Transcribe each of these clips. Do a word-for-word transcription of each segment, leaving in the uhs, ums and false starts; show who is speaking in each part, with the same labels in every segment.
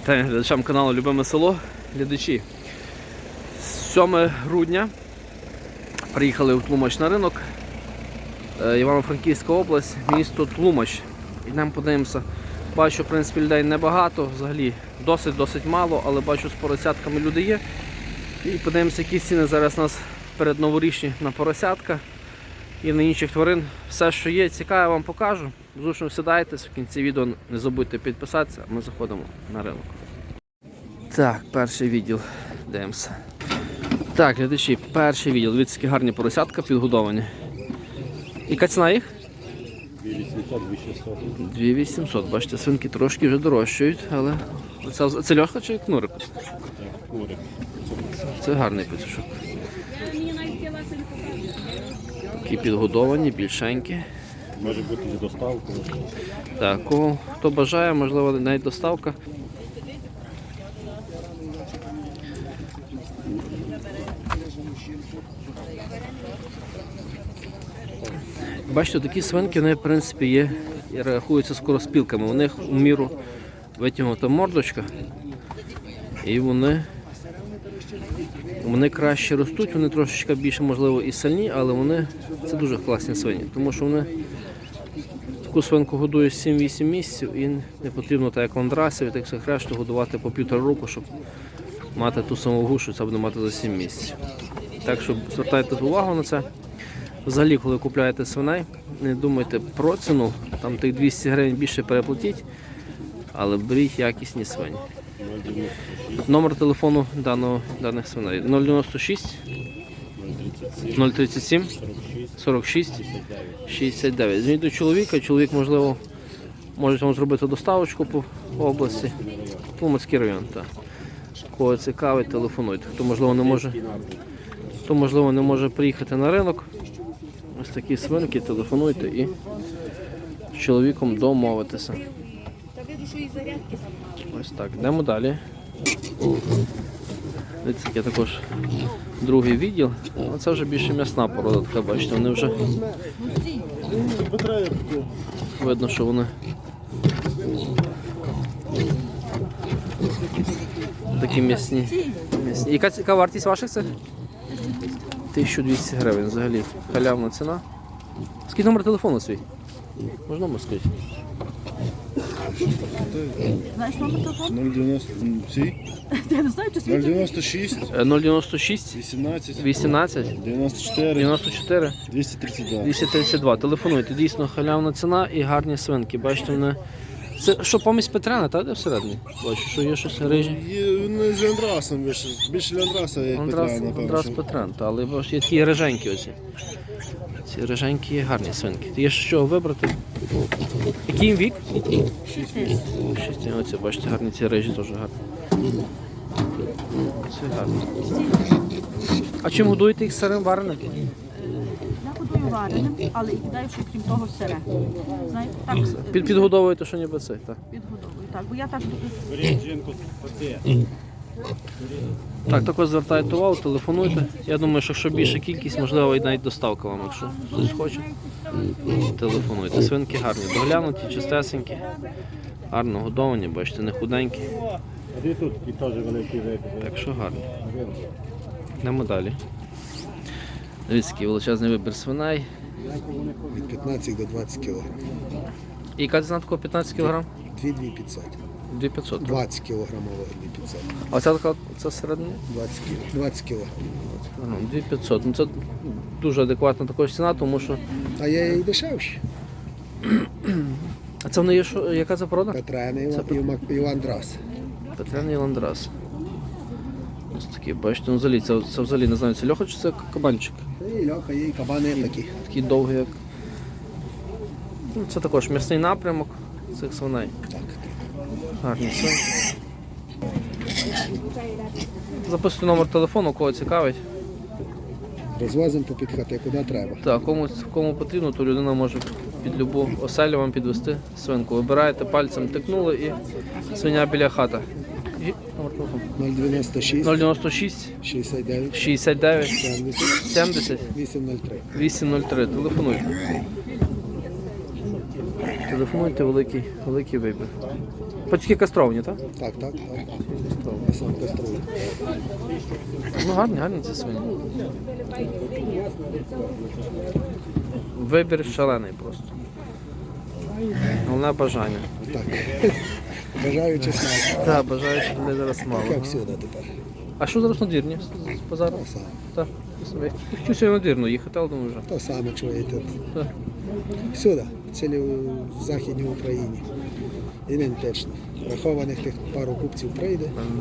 Speaker 1: Вітаю глядачам каналу Любиме село. Глядачі, сьоме грудня приїхали в Тлумач на ринок, Івано-Франківська область, місто Тлумач. Йдемо подивимося. Бачу, в принципі, людей небагато, взагалі досить-досить мало, але бачу, з поросятками люди є. І подивимося, які ціни зараз у нас передноворічні на поросятка і на інших тварин. Все, що є, цікаве, вам покажу. Зручно сідайтесь, в кінці відео не забудьте підписатися, а ми заходимо на ринок. Так, перший відділ. Дивимося. Так, глядачі, перший відділ. Дивіться, які гарні поросятка підгодовані. Яка ціна їх?
Speaker 2: дві вісімсот - дві шістсот.
Speaker 1: дві вісімсот. Бачите, свинки трошки вже дорожчають, але це, це льоха чи кнурик?
Speaker 2: Курик.
Speaker 1: Це гарний петушок. Такі підгодовані, більшенькі.
Speaker 2: Може бути і доставка.
Speaker 1: Так, кого, хто бажає, можливо, навіть доставка. Бачите, такі свинки, вони, в принципі, є і рахуються скороспілками. У них у міру витягнута мордочка, і вони, вони краще ростуть, вони трошечки більше, можливо, і сильні, але вони, це дуже класні свині, тому що вони таку свинку годують сім-вісім місяців і не потрібно, так як ландрасів, так всіх решту, годувати по півтора року, щоб мати ту саму вагу, що це буде мати за сім місяців. Так що звертайте увагу на це. Взагалі, коли купуєте свиней, не думайте про ціну, там тих двісті гривень більше переплатіть, але беріть якісні свині. Номер телефону даного, даних свиней нуль дев'яносто шість нуль тридцять сім сорок шість шістдесят дев'ять. Дзвоніть до чоловіка, чоловік, можливо, може вам зробити доставочку по області. Тлумацький район, так. Кого цікавить, телефонуйте. Хто, можливо, не може, хто, можливо, не може приїхати на ринок, ось такі свинки, телефонуйте і з чоловіком домовитися. Ось так, йдемо далі. Дивіться, є також другий відділ. Це вже більше м'ясна порода, така, бачите, вони вже видно, що вони такі м'ясні. м'ясні. Яка, яка вартість ваших цих? тисяча двісті гривень взагалі. Халявна ціна. Скільки номер телефону свій? Можна номер сказати?
Speaker 3: Знаєш номер телефону?
Speaker 2: нуль дев'яносто
Speaker 3: Я не знаю, чи
Speaker 2: нуль дев'яносто шість
Speaker 1: нуль дев'яносто шість
Speaker 2: вісімнадцять
Speaker 1: вісімнадцять
Speaker 2: дев'яносто чотири
Speaker 1: дев'яносто чотири
Speaker 2: двісті тридцять два.
Speaker 1: двісті тридцять два. Телефонуйте, дійсно халявна ціна і гарні свинки. Бачите, вони... Це що, помість Петряна, так, де всередині? Бачу, що є щось рижі.
Speaker 2: Він з Андрасом більше, більше Андраса, як
Speaker 1: Андрас,
Speaker 2: Петра, напевно.
Speaker 1: Андрас Петрян, та, але бачите, є такі риженькі оці. Ці риженькі є гарні свинки. Є що вибрати. Який їм вік?
Speaker 2: шість місяців.
Speaker 1: Шість. Оці, бачите, гарні ці рижі теж гарні. Це гарно. А чим годуєте їх сирим вареним?
Speaker 3: Я годую вареним, але і кидаю ще крім того сире. Знаєте, так
Speaker 1: Під, підгодовуєте, що ніби це, так?
Speaker 3: підгодовую. Так, бо я так
Speaker 1: Так, також звертайте увагу, телефонуйте. Я думаю, що якщо більша кількість, можливо, і навіть доставка вам, якщо хтось хоче. Телефонуйте. Свинки гарні, доглянуті, чистесенькі, гарно годовані, бачите, не худенькі.
Speaker 2: А тут і теж великий вибір.
Speaker 1: Так що гарні. Йдемо далі. Дивіться, який величезний вибір свиней.
Speaker 4: Від п'ятнадцяти до двадцяти кілограм.
Speaker 1: І яка ціна такого п'ятнадцять кілограм?
Speaker 4: дві тисячі п'ятсот.
Speaker 1: дві п'ятсот.
Speaker 4: двадцять кілограмового дві тисячі п'ятсот.
Speaker 1: А ця така, це середня?
Speaker 4: двадцять кілограм. двадцять кілограм.
Speaker 1: Ну, дві тисячі п'ятсот. Ну, це дуже адекватна також ціна, тому що...
Speaker 4: А я і дешевші.
Speaker 1: А це вони є, що, яка це порода?
Speaker 4: Петряна і Іван Драс.
Speaker 1: Петряний ландрас. Ось такі, бачите, ну взагалі, це, це взагалі, не знаю, це льоха чи це кабанчик?
Speaker 4: І льоха, є, і кабани такі.
Speaker 1: Такий довгий, як... Ну, це також м'ясний напрямок цих свиней.
Speaker 4: Так.
Speaker 1: Гарні свинки. Записуйте номер телефону, кого цікавить.
Speaker 4: Розвозимо по підхати, куди треба.
Speaker 1: Так, кому, кому потрібно, то людина може під любу оселю вам підвести свинку. Вибираєте, пальцем тикнули і свиня біля хати. І номер телефону.
Speaker 4: нуль дев'яносто шість
Speaker 1: нуль дев'яносто шість
Speaker 4: шістдесят дев'ять
Speaker 1: шістдесят дев'ять
Speaker 4: сімдесят
Speaker 1: сімдесят
Speaker 4: вісім нуль три.
Speaker 1: вісім нуль три. Телефонуйте. Телефонуйте, великий, великий вибір. Пацюки кастровані, так?
Speaker 4: Так, так, так. Я сам каструю.
Speaker 1: Ну гарні, гарні ці свині. Вибір шалений просто. Головне бажання.
Speaker 4: Так. Бажаю чесноти.
Speaker 1: Так, бажаючих людей зараз мало.
Speaker 4: Як всюди тепер.
Speaker 1: А що зараз надвірні з базару?
Speaker 4: То саме.
Speaker 1: Так. Я хотів сьогодні надвірно їхати, але думаю вже.
Speaker 4: То саме чуєте.
Speaker 1: Так.
Speaker 4: Всюди, в цілій в Західній Україні. Ідентично. Рахованих тих пару купців прийде.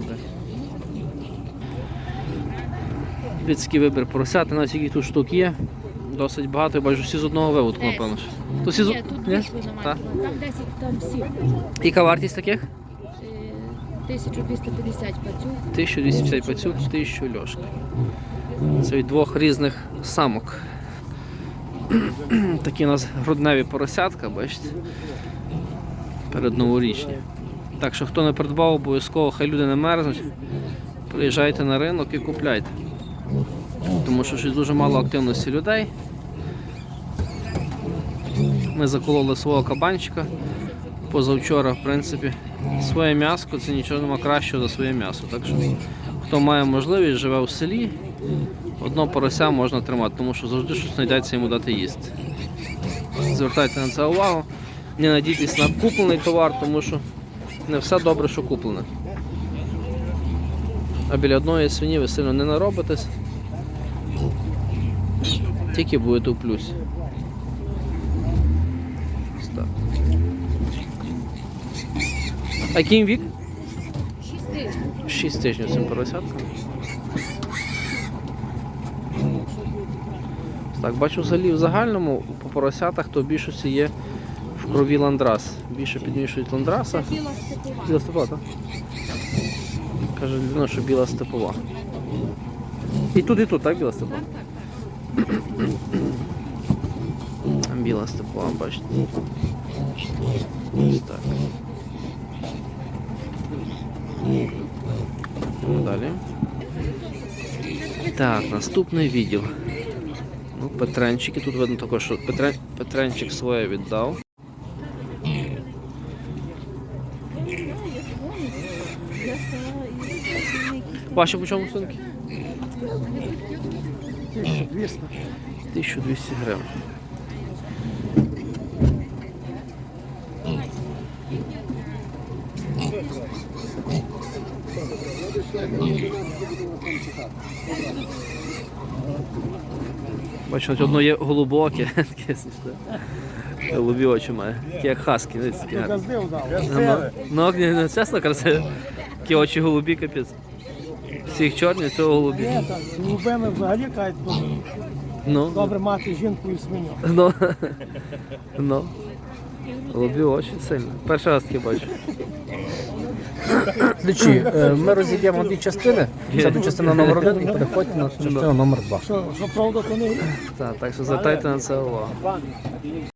Speaker 1: Людський вибір поросяти, навіть які тут штук є. Досить багато, я бачу всі з одного виводку, напевно. ж. То всі з...
Speaker 5: Ні, тут
Speaker 1: Ні?
Speaker 5: дві свиноматки,
Speaker 1: Так.
Speaker 5: там десять, там всі.
Speaker 1: Яка вартість таких?
Speaker 5: Е, тисяча двісті п'ятдесят пацюк.
Speaker 1: тисяча двісті п'ятдесят пацюк, тисяча льошка. Це від двох різних самок. Такі у нас грудневі поросятка, бачите? Передноворічні. Так що хто не придбав, обов'язково, хай люди не мерзнуть. Приїжджайте на ринок і купляйте. Тому що щось дуже мало активності людей. Ми закололи свого кабанчика позавчора, в принципі. Своє м'ясо, це нічого нема кращого за своє м'ясо. Так що хто має можливість, живе у селі, одно порося можна тримати, тому що завжди щось знайдеться йому дати їсти. Звертайте на це увагу. Не надійтесь на куплений товар, тому що не все добре, що куплене. А біля одної свині ви сильно не наробитесь, тільки будете у плюсі. Ось так. А який їм вік?
Speaker 5: Шість тисяч.
Speaker 1: шість тижнів цим поросяткам. Так, бачу взагалі в загальному по поросятах то в більшості є в крові ландрас. Більше підмішують ландраса.
Speaker 5: Біла степова.
Speaker 1: Біла степова, так? Каже людина, що біла степова. І тут, і тут, так, біла степова?
Speaker 5: Так, так, так.
Speaker 1: Біла степова, бачите. Ось так. Далі. Так, наступний відділ. Ну, Петренчики. Тут видно також, що Петрен... Петренчик своє віддав. Ваші по чому сумки? тисяча двісті гривень. Бачу, одно є голубоке, таке смішне. Голубі очі має, такі як хаски. Дивіться, такі гарні. Ну, ну, ну, чесно, красиві. Такі очі голубі, капець. Всіх чорні, цього голубі.
Speaker 6: Ні, так, з голубими взагалі кажуть, то
Speaker 1: Ну,
Speaker 6: добре мати жінку і свиню.
Speaker 1: ну, ну. Голубі очі сильно. Перший раз таке бачу.
Speaker 7: Глядачі, е, ми розіб'ємо дві частини. Це до частина номер один і переходьте на частину номер два.
Speaker 6: Що, що правда, то не
Speaker 1: Так, так що звертайте на це увагу.